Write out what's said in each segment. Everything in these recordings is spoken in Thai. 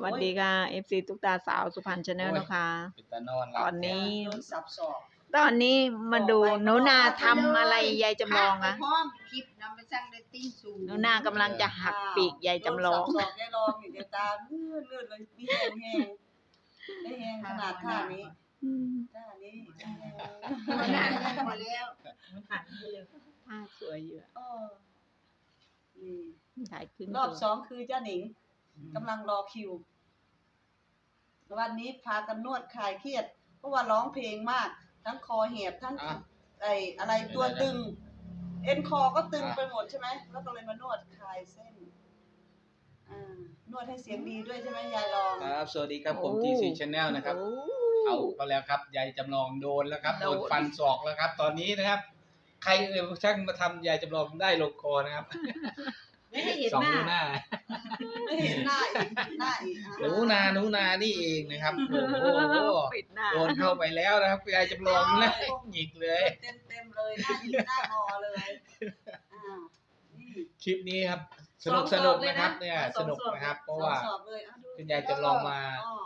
สวัสดีค่ะเอฟซีตุ๊กตาสาวสุพรรณชาแนลโอ้ยนะคะเป็นตานอนหตลับอนนี้โดนสับสอกตอนนี้มาดูหนูนาทำอะไรยายจำลองพาอะไปพร้อมคลิปนำไปสร้างเรตติ้งสูงหนูนากำลังจะหักปีกยายจำลองโดนสับสอกยายลองอยู่เดี๋ยวตาเลื่อนเลยมีแห้งแห้งได้แห้งขนาดท่านี้ท่านี้มันนานพอแล้วมันผ่านไปเลยผ้าสวยอยู่อะนี่ถ่ายขึ้นรอบสองคือจ้าหนิงกำลังรอคิว วันนี้พากันนวดคลายเครียด เพราะว่าร้องเพลงมาก ทั้งคอแหบทั้งอะไรตัวตึง เอ็นคอก็ตึงไปหมดใช่ไหมแล้วก็เลยมานวดคลายเส้นนวดให้เสียงดีด้วยใช่ไหมยายลองครับสวัสดีครับผมTC Channel นะครับเอาก็แล้วครับยายจำลองโดนแล้วครับโดนฟันศอกแล้วครับ ตอนนี้นะครับ ใครช่างมาทำยายจำลองได้ลงคอนะครับไม่ให้เห็นสองหน้าหน้าไม่เห็นหน้าอีกหน้าอีกหนูนานี่เองนะครับโอ้โหปิดหน้าโดนเข้าไปแล้วนะครับยายจำลองนะหยิกเลยเต็มเลยหน้าอีกหน้างอเลยนี่คลิปนี้ครับสนุกนะครับเนี่ยสนุกนะครับ เพราะว่าสอบเลยดูคุณยายจำลองมา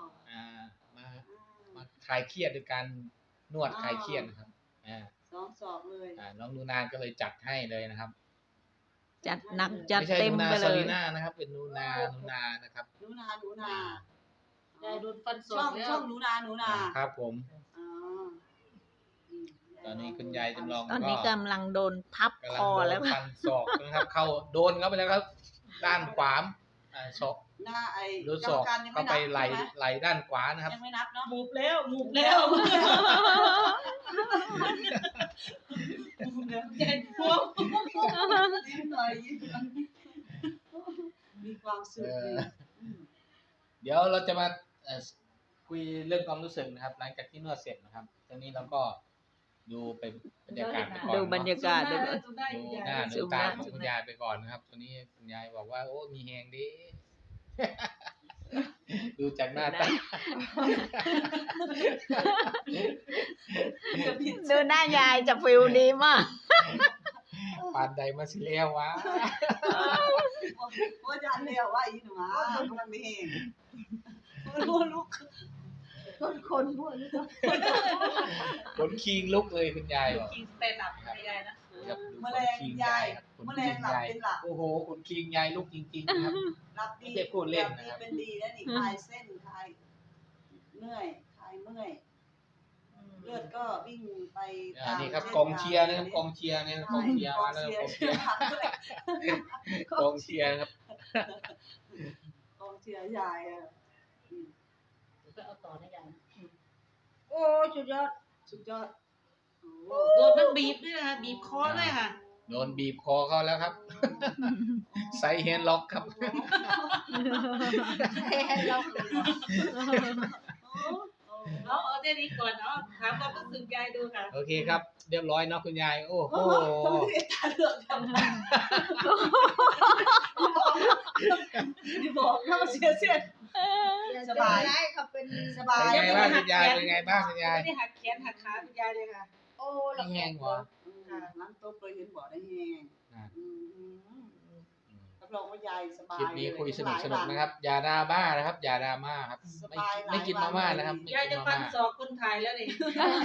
คลายเครียดด้วยการนวดคลายเครียดนะครับสอบเลยน้องนูนาก็เลยจัดให้เลยนะครับจัดหนักจัดไม่ใช่เต็มนูนาไปซเลอย ลีน่านะครับ เป็นนูนานะครับหนูนาได้โดนฟันศอช่อก งแล้วช่องหนูนาครับผมอ๋อตอนนี้คุณยายจำลองตอนนี้กำลังโดนทับกำคลังอโดแล้วนฟันศอกนะครับ เข้าโดนเข้าไปแล้วครับ ด้านขวาศอกหน้าไอ้โดนศอกเข้าไปไหลด้านขวานะครับยังไม่นับเนาะมูบแล้ว ใจพวกยิ้มหน่อยมีความสุขดีเดี๋ยวเราจะมาคุยเรื่องความรู้สึกนะครับ หลังจากที่นวดเสร็จนะครับตอนนี้เราก็ดูเป็นบรรยากาศไปก่อนดูบรรยากาศด้วยดูได้ดูอยู่หน้ายายดูตาของคุณยายไปก่อนนะครับตอนนี้คุณยายบอกว่าโอ้มีแหงดี ดูจากหน้าตาดูหน้ายายจะฟิลดีมากปานใดมาสิแล้ววะว่าจานเดียวว่าอีหนูมันไม่เห็นลูกคนพวกนี้ก็ขนคิงลุกเลยคุณยายบอกกินสเตนดับไม่ได้นะครับแมลงยายแมลงหลับเป็นหลับโอ้โหขนคิงยายลุกจริงๆนะครับหลับดีไม่ใช่พูดเล่นนะครับเป็นดีแล้วนี่คลายเส้นคลายเมื่อยคลายเมื่อยเลือดก็วิ่งไปนี่ครับกองเชียร์นะครับกองเชียร์เนี่ยกองเชียร์มาแล้วกองเชียร์กองเชียร์ครับกองเชียร์ยายอ่ะก็เอาต่อได้ยายโอ้สุดยอดโอ้โดนมันบีบด้วยนะคะบีบคอด้วยค่ะโดนบีบคอเขาแล้วครับไซเฮนล็อกครับเอาเท่านี้ก่อนเนาะถามความรู้สึกยายดูค่ะโอเคครับ เรียบร้อยเนาะคุณยายโอ้โหทำไมตาเหลือกจังนี่บอกถ้ามันเสียสบายเขาเป็นสบายเป็นไงบ้างคุณยายเป็นไงบ้างคุณยายไม่ได้หักแขนหักขาคุณยายเลยค่ะโอ้ไม่แห้งกว่าน้ำต้มเคยเห็นบ่อได้แห้งรับรองว่ายายสบายคลิปนี้คุยสนุกนะครับ อย่าดราม่านะครับอย่าดราม่าครับไม่กินมาม่านะครับไม่ยายกิจะนมาฟันม่าศอกคนไทยแล้วนี่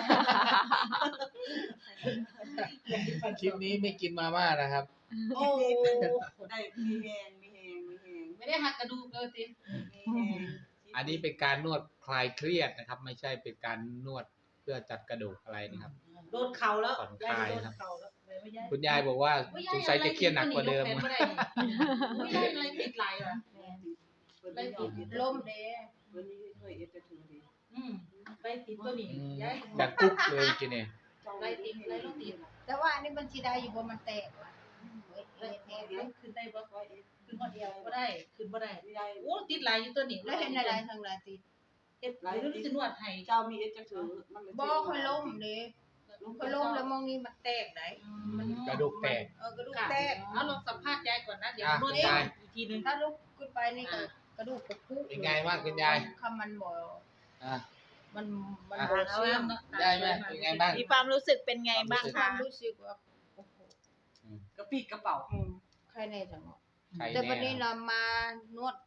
คลิปนี้ไม่กินมาม่านะครับโอ้ได้มีแห้งไม่ได้หักกระดูกเลยสิอันนี้เป็นการนวดคลายเครียดนะครับ ไม่ใช่เป็นการนวดเพื่อจัดกระดูกอะไรนะครับโดนเข่าแล้วผ่อนคลายนะครับเข่าแล้วเลยไม่ย้ายคุณยายบอกว่าสงสัยจะเครียดหนักกว่าเดิมไม่ได้อะไรติดไหลว่ะล่มเด้วันนี้เคยเอฟจะถือดีไปติดตัวนี้ย้ายดังกุ๊กเลยกินเนี่ยไรติดไรลูกติดแต่ว่าอันนี้มันสิได้อยู่บ่มันแตกว่ะขึ้นได้บ่ขึ้นมาเดียวก็ได้ขึ้นบ่ได้ยายโอ้ติดไหลอยู่ตัวนี้แล้วเห็นอะไรทางหลายติดเอ็ดไหลรู้สึกนวดให้เจ้ามีเอฟจะถือมันบ่ค่อยล้มเด้ค่อยล้มแล้วมองนี่มันแตกได้กระดูกแตกกระดูกแตแตกกเอาลองสัมภาษณ์ยายก่อนนะเดี๋ยวนอ่ะวดยายอีกทีนึงถ้าลุกขึ้นไปนี่ก็กระดูกกระพุเป็นไงบ้างคุณยายคำมันบ่อ่ะมันอ่ะบ่เชื่อมยายไหมเป็นไงบ้างมีความรู้สึกเป็นไงบ้างมีคคะวามรู้สึกว่าโอ้โหกระปีกกระเป๋าใครแน่จังเนาะใครแต่วันนี้แน่เรามานวด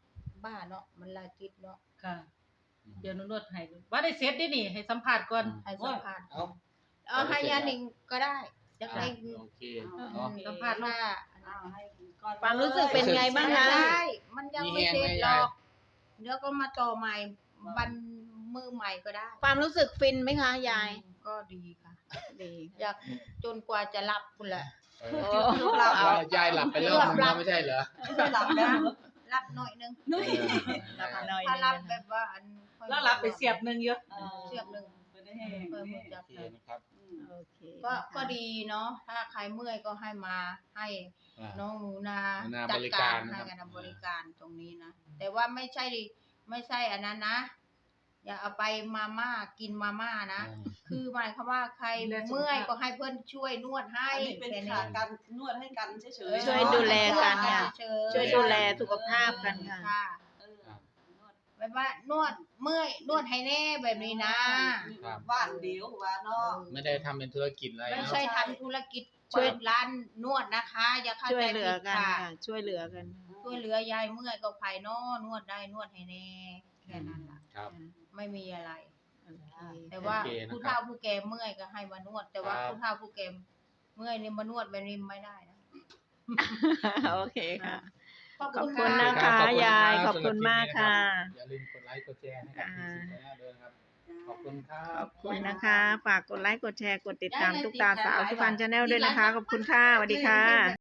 บ้าเนาะมันลาจิตเนาะค่ะ เดี๋ยวหนูนวดให้ว่าได้เสร็จได้นี่ให้สัมภาษณ์ก่อนให้สัมภาษณ์เอาเอาให้ยาหนิงก็ได้จะได้โอเคเอาเนาะสัมภาษณ์ลูกว่าเอาให้ก่อนความรู้สึกเป็นไงบ้างไม่คะได้มันยังไม่เสร็จหรอกเดี๋ยวก็มาต่อใหม่บันมือใหม่ก็ได้ความรู้สึกฟินไหมคะยายก็ดีค่ะดีอยากจนกว่าจะหลับคุณแหละลูกหลับเอายายหลับไปแล้วมันไม่ใช่เหรอไม่หลับแล้วหลับหน่อยนึงนุ้ยหลับหน่อยถ้านึหลับงแบบว่าอันค่อยแล้วรับไปเสียบหนึงเยอะเสียบหนึ่งไม่ได้แห้งเพิ่มนี่จับโอเคเลยนะครับโอเคก็ดีเนาะถ้าใครเมื่อยก็ให้มาให้อ่าน้องหนูนาหนูนาจับดริกาการรนะครับให้กันบริการตรงนี้นะแต่ว่าไม่ใช่อันนั้นนะ อย่าเอาไปมาม่ากินมาม่านะ คือหมายความว่าใครเมื่อยก็ให้เพื่อนช่วยนวดให้อันนี้เป็นแค่ขาการนวดให้กันเฉยๆช่วยดูแลกันค่ะเฉยๆช่วยดูแลสุขภาพกันค่ะค่ะเออแบบว่านวดเมื่อยนวดให้แน่แบบนี้นะครับบ้านเดียวว่าเนาะไม่ได้ทำเป็นธุรกิจอะไรไม่เนาะใช่ทำธุรกิจช่วยเปิดร้านนวดนะคะ อย่าเข้าช่วยใจเหลืผิอดกันค่ะค่ะ ช่วยเหลือกันช่วยเหลือยายเมื่อยก็ไผ่นอนวดได้นวดให้แน่แค่นั้นล่ะครับไม่มีอะไรโอเคแต่ว่าโอเคนะครับผู้เฒ่าผู้แก่เมื่อยก็ให้มานวด แต่ว่าครับผู้เฒ่าผู้แก่เมื่อยนี่มานวดแบบนี้ไม่ได้นะโอเคค่ะขอบขอบคุณคุณค่ะนะคะขอบณยายรับขอบคุณมากค่ะอย่าลืมกดไลค์กดแชร์ให้กับทีซีแนลด้วยนะครับ ขอบคุณครับขอบคุณนะคะ ฝากกดไลค์ กดแชร์ กดติดตามตุ๊กตาสาวสุพรรณชาแนลด้วยนะคะ ขอบคุณค่ะ สวัสดีค่ะ